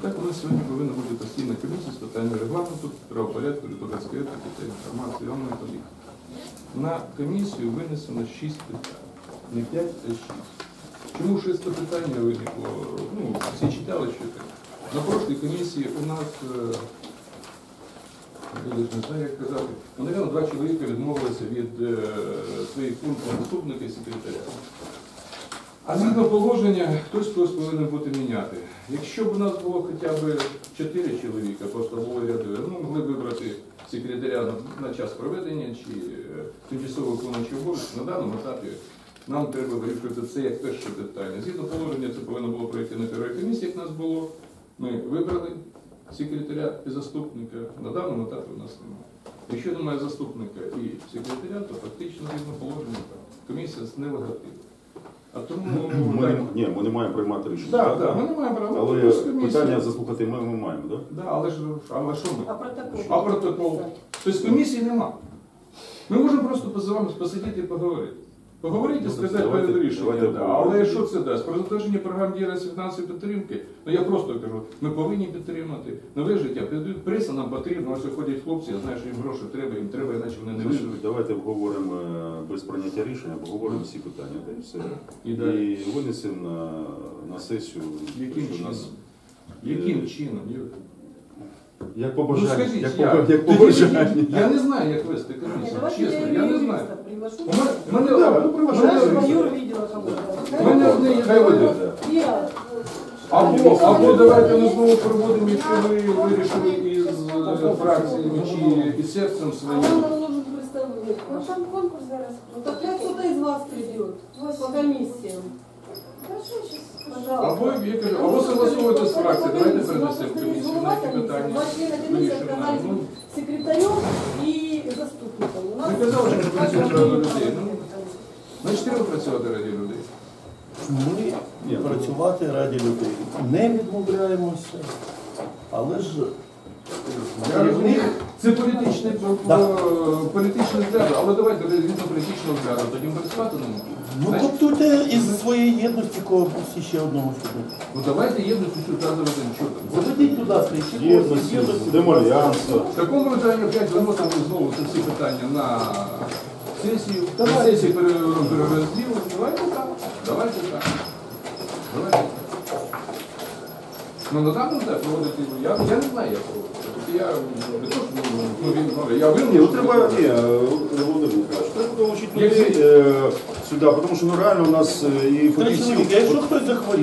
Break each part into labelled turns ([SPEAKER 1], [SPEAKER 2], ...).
[SPEAKER 1] Так у нас сьогодні повинна бути постійна комісія з питань регламенту, правопорядку, депутатської етики та інформаційної політики. На комісію винесено 6 питань. Не 5, а 6. Чому 6 питань виникло? Ну, всі читали, що таке. На прошлій комісії у нас, я не знаю, як казати, навіть 2 чоловіка відмовилися від своїх пунктів заступника і секретаря. А згідно положення, хтось повинен бути міняти. Якщо б у нас було хоча б 4 чоловіка, просто було рядове, ну, могли б вибрати секретаря на час проведення чи тимчасово виконуючий обов'язок, на даному етапі нам треба вирішити це як перше питання. Згідно положення, це повинно було пройти на першій комісії, як нас було. Ми вибрали секретаря і заступника, на даному етапі у нас немає. Якщо немає заступника і секретаря, то фактично згідно положення комісія нелегативна. А тому
[SPEAKER 2] ми не маємо приймати рішення.
[SPEAKER 1] Так, ми не маємо права.
[SPEAKER 2] Але питання заслухати ми маємо, так?
[SPEAKER 1] Так, але що ми?
[SPEAKER 3] А протокол?
[SPEAKER 1] А протокол? Тобто комісії нема. Ми можемо просто з вами посидіти і поговорити. Поговорити і сказати перед рішенням. Але що це дасть? Про затвердження програм діяльності фінансової підтримки, ну я просто кажу, ми повинні підтримати. Нове життя, преса нам потрібна, ось ходять хлопці, я знаю, що їм гроші треба, іначе вони не виживуть.
[SPEAKER 2] Давайте обговоримо без прийняття рішення, обговоримо всі питання. Та і все. І винесемо на сесію.
[SPEAKER 1] Яким чином?
[SPEAKER 2] Як побажання.
[SPEAKER 1] Ну, скажіть,
[SPEAKER 2] як побажання.
[SPEAKER 1] Я не знаю, як вести комісію, чесно, я не знаю. Або давайте ми знову проводимо, якщо ви вирішили із фракціями чи із серцем своїм.
[SPEAKER 3] Ну там конкурс зараз. Так кто-то из вас придет по комиссиям.
[SPEAKER 1] Або согласовуйте з фракцією, давайте перенесемо комісію на ці питання.
[SPEAKER 3] Секретарем и заступником.
[SPEAKER 1] Ви казали, що працювати ради людей. Значить, треба працювати ради людей.
[SPEAKER 4] Ми працювати раді людей. Не відмовляємося, але ж
[SPEAKER 1] Я розумію, це політичний взгляд, але давайте від політичного взгляду, тоді працювати не можна.
[SPEAKER 4] ну коптуйте із своєї єдності когось ще одного сюди.
[SPEAKER 1] Ну давайте єдності сюди заведемо, що там.
[SPEAKER 4] Заведіть, будь ласка, ще когось єдності.
[SPEAKER 2] Демальянство.
[SPEAKER 1] В такому питанні опять виносимо знову це всі питання на сесію. На сесії перерозділу. Давайте так. Давайте так. Ну на даному так проводити, я не знаю, як проводити. Я не то, що я винен.
[SPEAKER 2] Треба, Володимир Михайлович, треба долучити людей сюди, тому що реально у нас і фахівців.
[SPEAKER 4] Якщо хтось захворіє,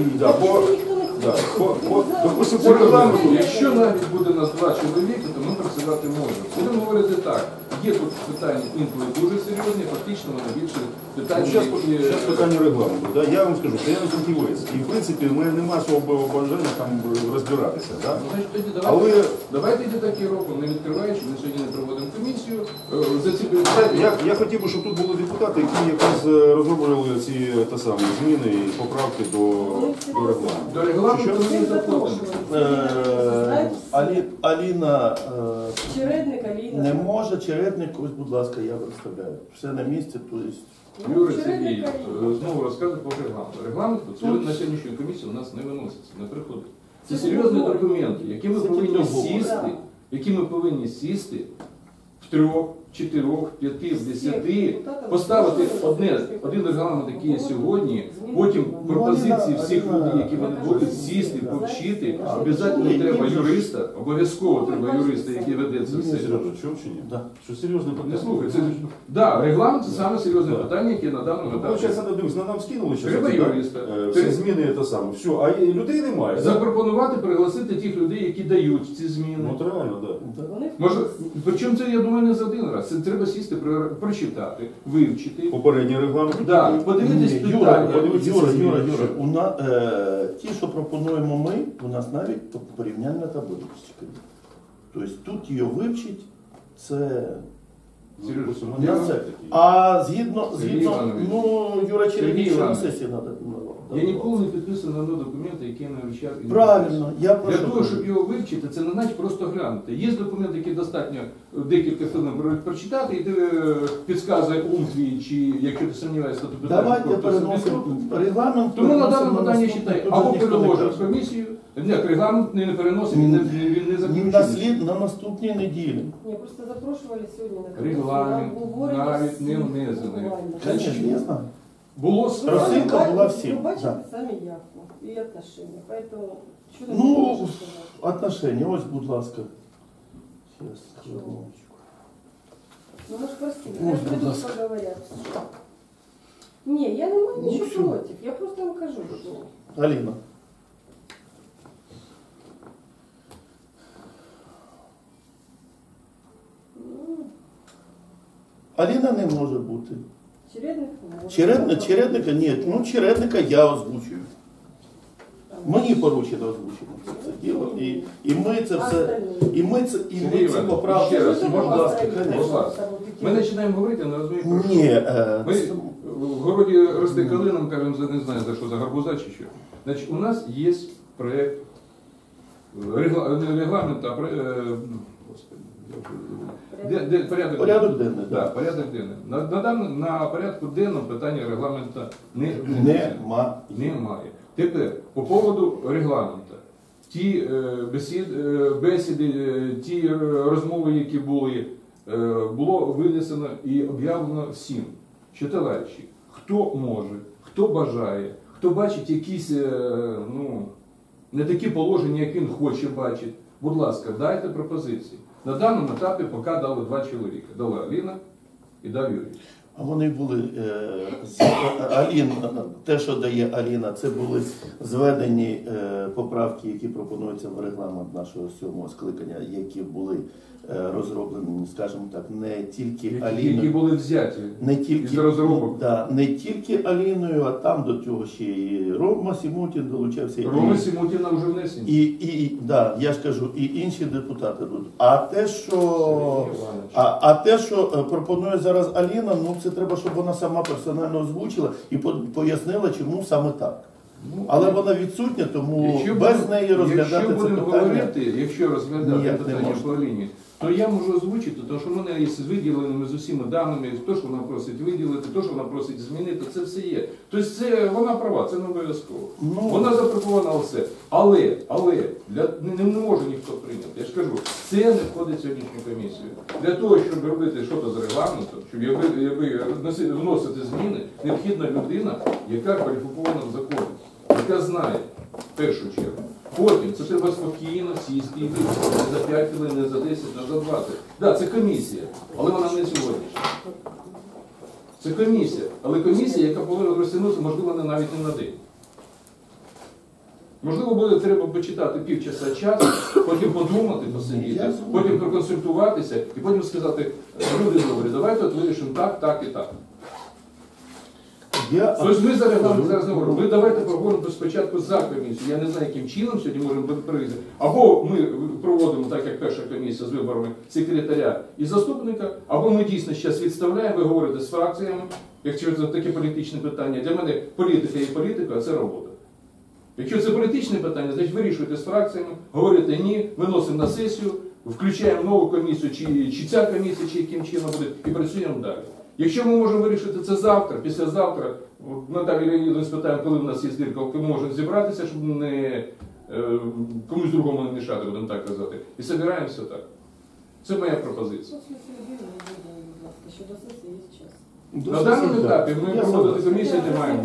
[SPEAKER 2] допустим,
[SPEAKER 1] По регламенту, якщо навіть буде нас 2 чоловіки, то ми працювати можемо. Будемо говорити так, є тут питання інколи дуже серйозні, фактично вони більше питання,
[SPEAKER 2] Зараз питання регламенту. Да? Я вам скажу, що я не фахівець. І в принципі, в мене немає свого бажання там розбиратися. Да?
[SPEAKER 1] Значить, тоді давайте йти такі роки, не відкриваючи, ми сьогодні не проводимо комісію. За ці
[SPEAKER 2] Я хотів би, щоб тут були депутати, які якраз розроблювали ці зміни і поправки до регламенту.
[SPEAKER 1] До регламенту ми не заходимо.
[SPEAKER 4] Аліна
[SPEAKER 3] Чередник, Аліна.
[SPEAKER 4] не може, Чередник, ось, будь ласка, я представляю. Все на місці, то є.
[SPEAKER 1] Юрій Сергій знову розказує про регламент. Регламент на сьогоднішню комісію у нас не виноситься, не приходить. Це серйозні документи, які ми повинні сісти в 3, 4, 5, 10, поставити один регламент, який є сьогодні, потім пропозиції всіх людей, які вони будуть сісти, повчити. Обов'язково треба юриста, який веде це все.
[SPEAKER 2] Чому чи ні? Що серйозне питання?
[SPEAKER 1] Не слухай, регламент це саме серйозне питання, яке на даному етапі.
[SPEAKER 2] Зараз нам скинули
[SPEAKER 1] Треба юриста.
[SPEAKER 2] всі зміни те саме. Все, а людей немає.
[SPEAKER 1] Запропонувати, пригласити тих людей, які дають ці зміни.
[SPEAKER 2] Ну, от реально, так.
[SPEAKER 1] Може, причому це, я думаю, не за один раз. Це треба сісти, прочитати, вивчити.
[SPEAKER 2] Попередній регламент.
[SPEAKER 1] Да, подивитись питання.
[SPEAKER 4] Юра, ті, що пропонуємо ми, у нас навіть порівняльна табличка. Тобто тут її вивчить, це
[SPEAKER 1] Сережа,
[SPEAKER 4] У нас це. А згідно,
[SPEAKER 1] Сергій Іванович.
[SPEAKER 4] Юра
[SPEAKER 1] Сергій
[SPEAKER 4] Черевич, на
[SPEAKER 1] Іванович.
[SPEAKER 4] сесії треба.
[SPEAKER 1] Я ніколи не підписую на документи, які я не вивчав. і не
[SPEAKER 4] Правильно, я
[SPEAKER 1] Для
[SPEAKER 4] прошу.
[SPEAKER 1] того, щоб його вивчити, це не значить просто глянути. Є документи, які достатньо декілька хвилин прочитати, і ти підказує ум твій, чи якщо ти сумніваєшся, то ти питаєш,
[SPEAKER 4] Давайте
[SPEAKER 1] хто це
[SPEAKER 4] переносимо регламент.
[SPEAKER 1] Тому на
[SPEAKER 4] переносимо
[SPEAKER 1] даному питанні
[SPEAKER 4] наступний,
[SPEAKER 1] читай,
[SPEAKER 4] тут
[SPEAKER 1] або
[SPEAKER 4] ніхто не
[SPEAKER 1] переложимо в
[SPEAKER 4] каже.
[SPEAKER 1] комісію, ні, регламент не переносить, він не заключений.
[SPEAKER 4] На наступній неділі.
[SPEAKER 3] Ні, просто запрошували сьогодні на комісію.
[SPEAKER 1] Регламент
[SPEAKER 3] на обговорення
[SPEAKER 1] навіть не
[SPEAKER 3] всіх
[SPEAKER 1] внесений.
[SPEAKER 3] буквально.
[SPEAKER 4] Звісно, я знаю.
[SPEAKER 1] Було
[SPEAKER 4] Розсилка
[SPEAKER 3] Ну,
[SPEAKER 4] була
[SPEAKER 3] ви
[SPEAKER 4] всім,
[SPEAKER 3] бачите
[SPEAKER 4] да.
[SPEAKER 3] самі явку і отношения. Поэтому, що ти
[SPEAKER 4] Ну,
[SPEAKER 3] можеш сказати?
[SPEAKER 4] отношення, ось, будь ласка. Зараз, хвилиночку.
[SPEAKER 3] Ну, мы же просили,
[SPEAKER 4] Ой,
[SPEAKER 3] я
[SPEAKER 4] будь
[SPEAKER 3] приду,
[SPEAKER 4] ласка.
[SPEAKER 3] поговорят. Не, я не маю
[SPEAKER 4] Ну,
[SPEAKER 3] ничего
[SPEAKER 4] всё.
[SPEAKER 3] против, я просто вам кажу, что...
[SPEAKER 4] Аліна.
[SPEAKER 3] Ну,
[SPEAKER 4] Аліна не може бути.
[SPEAKER 3] чередник может.
[SPEAKER 4] Чередника ні. Ну, чередника я озвучую. Мені поручено озвучено це діло. І ми це все. І ми це
[SPEAKER 1] Сергій Іванович,
[SPEAKER 4] поправки.
[SPEAKER 1] ще раз,
[SPEAKER 4] Будь
[SPEAKER 1] можна
[SPEAKER 4] ласка,
[SPEAKER 1] Будь
[SPEAKER 4] звісно.
[SPEAKER 1] ласка. Ми починаємо говорити, не розуміємо. про що.
[SPEAKER 4] Ні,
[SPEAKER 1] Ми в городі росте калином, кажемо, не знаю за що, за гарбуза чи що. Значить, у нас є проєкт не регламент, а господи,
[SPEAKER 4] Порядок денний,
[SPEAKER 1] Да,
[SPEAKER 4] так.
[SPEAKER 1] порядок денний. На порядку денному питання регламенту немає. Тепер, по поводу регламенту. Ті бесіди, ті розмови, які були, було винесено і об'явлено всім, що, товариші, хто може, хто бажає, хто бачить якісь не такі положення, як він хоче бачити, будь ласка, дайте пропозиції. На даному етапі поки дали 2 чоловіка. Дала Аліна і дав Юрій.
[SPEAKER 4] А вони були те, що дає Аліна, це були зведені поправки, які пропонуються в регламент нашого 7-го скликання, які були розроблені, скажімо так, не тільки
[SPEAKER 1] Які
[SPEAKER 4] Аліною.
[SPEAKER 1] були взяті
[SPEAKER 4] Не
[SPEAKER 1] із
[SPEAKER 4] тільки,
[SPEAKER 1] розробок.
[SPEAKER 4] да, не тільки Аліною, а там до цього ще і Рома Сімутін долучався.
[SPEAKER 1] Рома Сімутіна вже внесені.
[SPEAKER 4] Да, я ж кажу, і інші депутати тут. А те, що пропонує зараз Аліна, ну це треба, щоб вона сама персонально озвучила і пояснила, чому саме так. Але вона відсутня, тому без неї розглядати це питання.
[SPEAKER 1] Якщо розглядати
[SPEAKER 4] ніяк не
[SPEAKER 1] питання
[SPEAKER 4] можна.
[SPEAKER 1] по лінії, то я можу озвучити, тому що в мене є з виділеними з усіма даними, то, що вона просить виділити, то, що вона просить змінити, це все є. Тобто це, вона права, це не обов'язково.
[SPEAKER 4] Ну,
[SPEAKER 1] Вона запропонувала все. Але не може ніхто прийняти. Я ж кажу, це не входить в сьогоднішню комісію. Для того, щоб робити щось з регламентом, щоб вносити зміни, необхідна людина, яка кваліфікована в законі, яка знає, в першу чергу. Потім це треба спокійно сісти і вирішити. Не за 5 хвилин, не за 10, не за 20. Так, це комісія, але вона не сьогоднішня. Це комісія, але комісія, яка повинна розтягнутися, можливо, навіть не на день. Можливо, буде треба почитати півчаса часу, потім подумати, посидіти, потім проконсультуватися і потім сказати, люди добрі, давайте от вирішимо так, так і так. Тобто ми за регламент зараз не говоримо. Ви давайте проговоримо спочатку за комісію. Я не знаю, яким чином сьогодні можемо прийти. Або ми проводимо, так як перша комісія з виборами секретаря і заступника, або ми дійсно зараз відставляємо, ви говорите з фракціями, якщо це таке політичне питання. Для мене політика є політика, а це робота. Якщо це політичне питання, значить вирішуйте з фракціями, говорите ні, виносимо на сесію, включаємо нову комісію, чи ця комісія, чи яким чином буде, і працюємо далі. Якщо ми можемо вирішити це завтра, післязавтра, Наталію Леонідовну спитаємо, коли в нас є збірка, коли ми можемо зібратися, щоб не комусь другому не мішати, будемо так казати. І збираємося так. Це моя пропозиція.
[SPEAKER 3] Ще до сесії є час.
[SPEAKER 1] На даному етапі ми проводити комісію не маємо.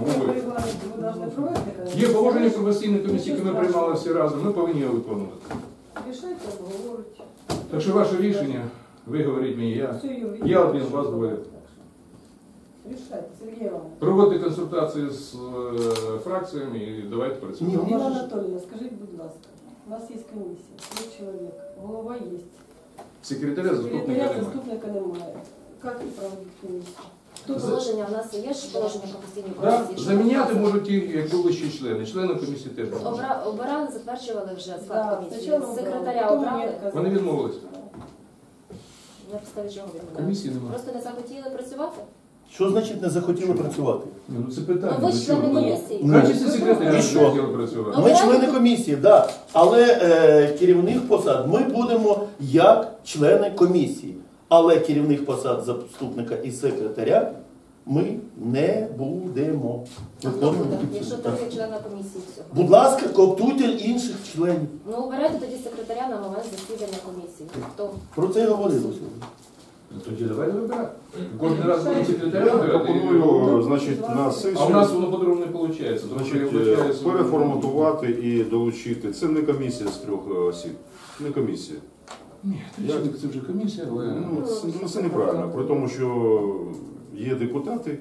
[SPEAKER 1] Є положення про постійну комісію, яке ми приймали всі разом, ми повинні його виконувати.
[SPEAKER 3] Рішайте, обговорюйте.
[SPEAKER 1] Так що ваше рішення, ви говоріть мені, я один, вас двоє.
[SPEAKER 3] Рішайте, Сергій Іванович.
[SPEAKER 1] Проводьте консультації з фракціями і давайте працювати.
[SPEAKER 4] Ні,
[SPEAKER 3] Ніна Анатоліївна, скажіть, будь ласка, у нас є комісія, 3 чоловік, голова є.
[SPEAKER 1] Секретаря, заступника
[SPEAKER 3] Секретаря,
[SPEAKER 1] немає.
[SPEAKER 3] заступника немає. Як проводити комісію?
[SPEAKER 5] Положення в нас є ж положення про постійні
[SPEAKER 1] Да,
[SPEAKER 5] комісії. що
[SPEAKER 1] заміняти
[SPEAKER 5] вказано.
[SPEAKER 1] можуть ті, як були ще члени. Члени комісії теж можуть.
[SPEAKER 5] Обирали, затверджували вже
[SPEAKER 3] Да,
[SPEAKER 5] склад комісії.
[SPEAKER 3] спочатку
[SPEAKER 5] Секретаря
[SPEAKER 3] потім
[SPEAKER 5] обрали.
[SPEAKER 3] мені відказали.
[SPEAKER 1] Вони відмовились.
[SPEAKER 5] На підставі чого відмовляєте?
[SPEAKER 1] Комісії немає.
[SPEAKER 5] Просто не захотіли працювати?
[SPEAKER 4] Що значить не захотіли працювати?
[SPEAKER 1] Ні, ну це питання.
[SPEAKER 5] Ну, ви ж члени
[SPEAKER 1] чого?
[SPEAKER 5] комісії.
[SPEAKER 1] В качестві секретаря
[SPEAKER 4] І що?
[SPEAKER 1] не хотіли працювати.
[SPEAKER 5] Ну,
[SPEAKER 4] Ми члени комісії, да. Але керівних посад ми будемо як члени комісії. Але керівних посад заступника і секретаря ми не будемо.
[SPEAKER 5] А хто буде? Якщо трохи члена комісії всього.
[SPEAKER 4] Будь ласка, коптуйте інших членів.
[SPEAKER 5] Ну, обирайте тоді секретаря на момент засідання комісії. Хто?
[SPEAKER 4] Про це говорили сьогодні.
[SPEAKER 1] Ну, тоді давайте вибирати. Кожен раз будемо секретаря
[SPEAKER 2] Я
[SPEAKER 1] вибирати.
[SPEAKER 2] пропоную, значить, на сесію.
[SPEAKER 1] А у нас воно по-другому не виходить.
[SPEAKER 2] Значить, переформатувати і долучити. Це не комісія з 3 осіб. Не комісія.
[SPEAKER 1] Ні, це вже комісія, але...
[SPEAKER 2] Це неправильно. При тому, що є депутати.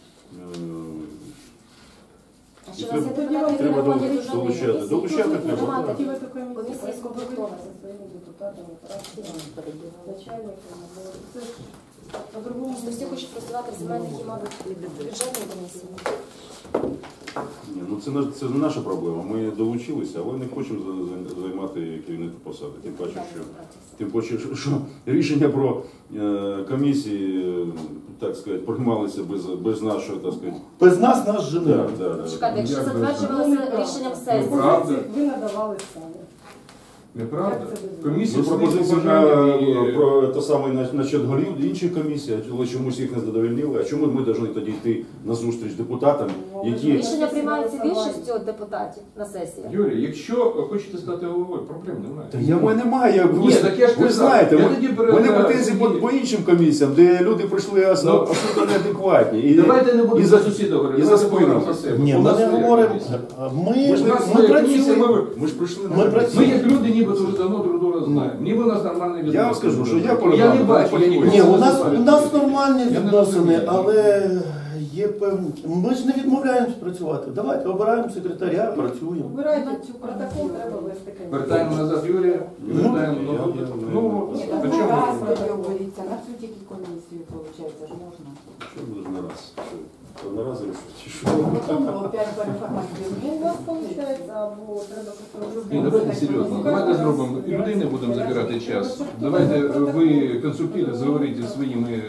[SPEAKER 5] А що у нас є депутати, які
[SPEAKER 2] Треба
[SPEAKER 5] не ходять у жодної
[SPEAKER 2] долучати.
[SPEAKER 5] комісії?
[SPEAKER 2] Долучати треба.
[SPEAKER 5] Немає
[SPEAKER 3] Хотіли
[SPEAKER 5] таких.
[SPEAKER 3] такої
[SPEAKER 5] Комісія скомплектована.
[SPEAKER 3] зі своїми депутатами, начальниками. Це ж по-другому.
[SPEAKER 5] Просто всі хочуть працювати в земельних і, мабуть, бюджетній комісії.
[SPEAKER 2] Ні, ну це не наша проблема. Ми долучилися, але не хочемо займати керівні посади. Тим паче, що рішення про комісії, так сказати, приймалися без нашого, так сказати.
[SPEAKER 4] Без нас жене.
[SPEAKER 5] Чекайте, якщо затверджувалося рішенням сесії,
[SPEAKER 1] Правда.
[SPEAKER 3] Ви надавали самі.
[SPEAKER 1] Неправда?
[SPEAKER 3] Як це без
[SPEAKER 1] Комісія
[SPEAKER 2] Ми
[SPEAKER 1] своїх
[SPEAKER 2] пропозиції
[SPEAKER 1] побажань і-
[SPEAKER 2] про те саме насчет горів інших комісій, але чомусь їх не задовольнили. А чому ми повинні тоді йти на зустріч депутатам, які
[SPEAKER 5] рішення приймаються більшістю депутатів на сесії.
[SPEAKER 1] Юрій, якщо хочете стати головою, проблем немає.
[SPEAKER 2] Та я в мене немає.
[SPEAKER 1] Ні, так я ж
[SPEAKER 2] Ви
[SPEAKER 1] казав,
[SPEAKER 2] знаєте,
[SPEAKER 1] я
[SPEAKER 2] в
[SPEAKER 1] тоді
[SPEAKER 2] мене претензії
[SPEAKER 1] тоді-
[SPEAKER 2] по іншим комісіям, де люди прийшли абсолютно неадекватні. І
[SPEAKER 1] Давайте не будемо
[SPEAKER 2] і
[SPEAKER 1] за сусіда говорити,
[SPEAKER 2] і за
[SPEAKER 1] давайте
[SPEAKER 2] спинами.
[SPEAKER 1] поговоримо за себе.
[SPEAKER 4] Ні,
[SPEAKER 1] У
[SPEAKER 4] ми
[SPEAKER 1] нас
[SPEAKER 4] не
[SPEAKER 1] своя
[SPEAKER 4] говоримо.
[SPEAKER 1] комісія.
[SPEAKER 2] Ми ж
[SPEAKER 4] Ми
[SPEAKER 1] У нас своя комісія,
[SPEAKER 4] працюємо.
[SPEAKER 2] Ми ж прийшли на
[SPEAKER 4] Ми
[SPEAKER 2] комісію.
[SPEAKER 1] Ми
[SPEAKER 4] працюємо.
[SPEAKER 1] як люди ніби дуже давно друг друга знаємо. Ніби у нас нормальний відносини.
[SPEAKER 2] Я вам скажу, що я
[SPEAKER 1] Я не
[SPEAKER 2] передав,
[SPEAKER 1] бачу, я ніколи
[SPEAKER 4] Ні,
[SPEAKER 1] не
[SPEAKER 4] у
[SPEAKER 1] знаю.
[SPEAKER 4] нас нормальні
[SPEAKER 1] Я не
[SPEAKER 4] відносини,
[SPEAKER 1] розумію.
[SPEAKER 4] але є певні. Ми ж не відмовляємось працювати. Давайте обираємо секретаря, працюємо.
[SPEAKER 3] Вибирайте цю протокол, треба вести комісію.
[SPEAKER 1] Вертаємо назад Юрія, і вертаємо нову. Ну,
[SPEAKER 6] Ні,
[SPEAKER 1] при
[SPEAKER 6] так
[SPEAKER 1] чому?
[SPEAKER 6] раз тоді оберіться, на цю тільки комісію, виходить, ж можна.
[SPEAKER 2] Що буде на раз? Одноразово чи що?
[SPEAKER 6] Потім опять переформатуємо.
[SPEAKER 3] Ну, у вас виходить, або треба просто
[SPEAKER 1] Ні, давайте серйозно. Давайте зробимо. І людей не будемо забирати час. Давайте ви конструктивно заговоріть зі своїми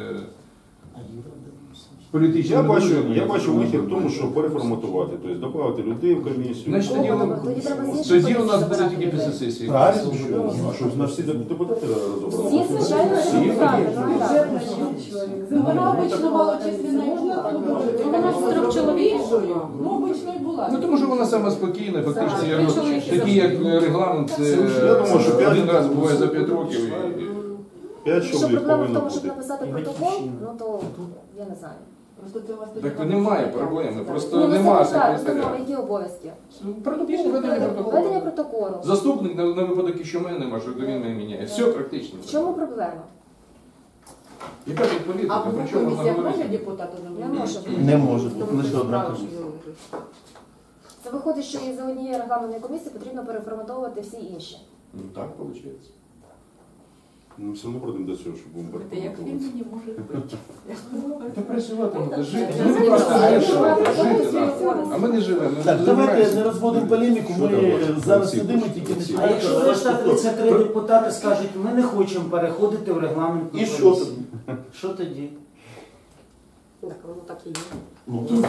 [SPEAKER 1] політичними друзями.
[SPEAKER 2] Я бачу вихід в тому, що переформатувати, тобто додати людей в комісію.
[SPEAKER 1] Значить, тоді,
[SPEAKER 5] Тоді треба з інших
[SPEAKER 1] тоді у нас
[SPEAKER 5] комісій
[SPEAKER 1] буде
[SPEAKER 5] забирати
[SPEAKER 1] тільки
[SPEAKER 5] людей.
[SPEAKER 1] після сесії.
[SPEAKER 4] Правильно.
[SPEAKER 2] А що, на всі депутати розібрали?
[SPEAKER 5] Всі, звичайно, депутати. Ну, так.
[SPEAKER 3] Бюджетна чоловік.
[SPEAKER 6] Вона обично малочисленна і була,
[SPEAKER 5] Вона з 3 чоловік.
[SPEAKER 6] Ну, обично і була.
[SPEAKER 1] Ну тому що вона сама спокійна, фактично, я говорю, такий як регламент, це
[SPEAKER 2] Я думаю, що
[SPEAKER 1] один
[SPEAKER 2] п'ять-
[SPEAKER 1] раз буває за 5 років. і-
[SPEAKER 2] 5
[SPEAKER 5] Якщо
[SPEAKER 2] чоловік
[SPEAKER 5] проблема в
[SPEAKER 2] повинно
[SPEAKER 5] тому, щоб
[SPEAKER 2] бути.
[SPEAKER 5] написати протокол, ну то я не знаю.
[SPEAKER 6] Просто це у вас тоді
[SPEAKER 1] Так немає проблеми, просто
[SPEAKER 5] Ні, ну
[SPEAKER 1] немає
[SPEAKER 5] це так,
[SPEAKER 1] секретаря.
[SPEAKER 5] установа, які обов'язки?
[SPEAKER 1] Протокол, ведення
[SPEAKER 5] Ведення
[SPEAKER 1] протоколу.
[SPEAKER 5] протоколу.
[SPEAKER 1] Заступник на випадок, якщо мене немає, що він мене міняє. Все практично.
[SPEAKER 5] В чому проблема?
[SPEAKER 1] Яка тут політика?
[SPEAKER 6] А
[SPEAKER 1] Про
[SPEAKER 6] в
[SPEAKER 1] чому
[SPEAKER 6] комісіях може
[SPEAKER 1] говорити?
[SPEAKER 6] депутати
[SPEAKER 5] Не
[SPEAKER 6] номінувати?
[SPEAKER 5] може.
[SPEAKER 4] Не може бути лише одна комісія.
[SPEAKER 5] Це виходить, що із-за однієї регламентної комісії потрібно переформатовувати всі інші.
[SPEAKER 1] Ну так виходить.
[SPEAKER 2] Ми все одно прийдемо до цього, щоб будемо
[SPEAKER 6] Це як він
[SPEAKER 2] переформатувати.
[SPEAKER 6] мені може бути.
[SPEAKER 1] Та працювати треба, жити.
[SPEAKER 5] Я
[SPEAKER 1] Ми
[SPEAKER 5] не
[SPEAKER 1] просто
[SPEAKER 5] знаю,
[SPEAKER 1] жити,
[SPEAKER 5] що
[SPEAKER 1] да.
[SPEAKER 5] робити.
[SPEAKER 1] А ми не живемо. ми
[SPEAKER 4] Так, давайте
[SPEAKER 1] забираємося.
[SPEAKER 4] не розводимо полеміку,
[SPEAKER 2] Що там,
[SPEAKER 4] ми
[SPEAKER 2] Олексій?
[SPEAKER 4] зараз сидимо і тільки
[SPEAKER 2] Олексій?
[SPEAKER 7] А якщо
[SPEAKER 4] починаємо.
[SPEAKER 7] решта 33 депутати скажуть, ми не хочемо переходити в регламент.
[SPEAKER 4] І що тоді?
[SPEAKER 7] Що тоді?
[SPEAKER 6] Так, воно так і є.
[SPEAKER 4] Ну,
[SPEAKER 3] Все,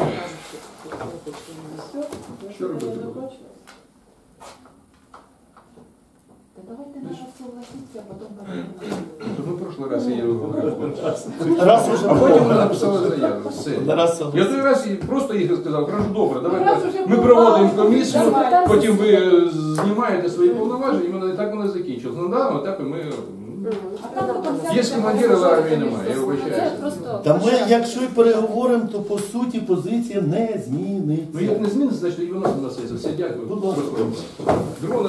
[SPEAKER 1] Що робити
[SPEAKER 3] не
[SPEAKER 1] буде?
[SPEAKER 3] закончилось.
[SPEAKER 6] Та давайте на раз согласитися, а потім переформатуємо.
[SPEAKER 1] То ми в прошлий раз її говорили.
[SPEAKER 4] раз уже
[SPEAKER 1] А потім ми написали заяву. Все.
[SPEAKER 4] Раз
[SPEAKER 1] Я той раз і просто їх сказав, кажу, добре,
[SPEAKER 3] Раз
[SPEAKER 1] давайте
[SPEAKER 3] уже
[SPEAKER 1] ми
[SPEAKER 3] була,
[SPEAKER 1] проводимо комісію,
[SPEAKER 5] давай.
[SPEAKER 1] потім ви знімаєте свої повноваження, і воно так воно закінчилось. На даному етапі ми...
[SPEAKER 6] А там потім
[SPEAKER 1] Є
[SPEAKER 6] взяти,
[SPEAKER 1] командири, але армії
[SPEAKER 6] комісію
[SPEAKER 1] немає, я
[SPEAKER 5] Це
[SPEAKER 1] вибачаюся.
[SPEAKER 5] просто...
[SPEAKER 4] Та ми, якщо і переговоримо, то по суті позиція не зміниться.
[SPEAKER 1] Ну як не зміниться, значить і виносимо на сесію. Все, дякую.
[SPEAKER 4] Будь ласка.
[SPEAKER 1] Друга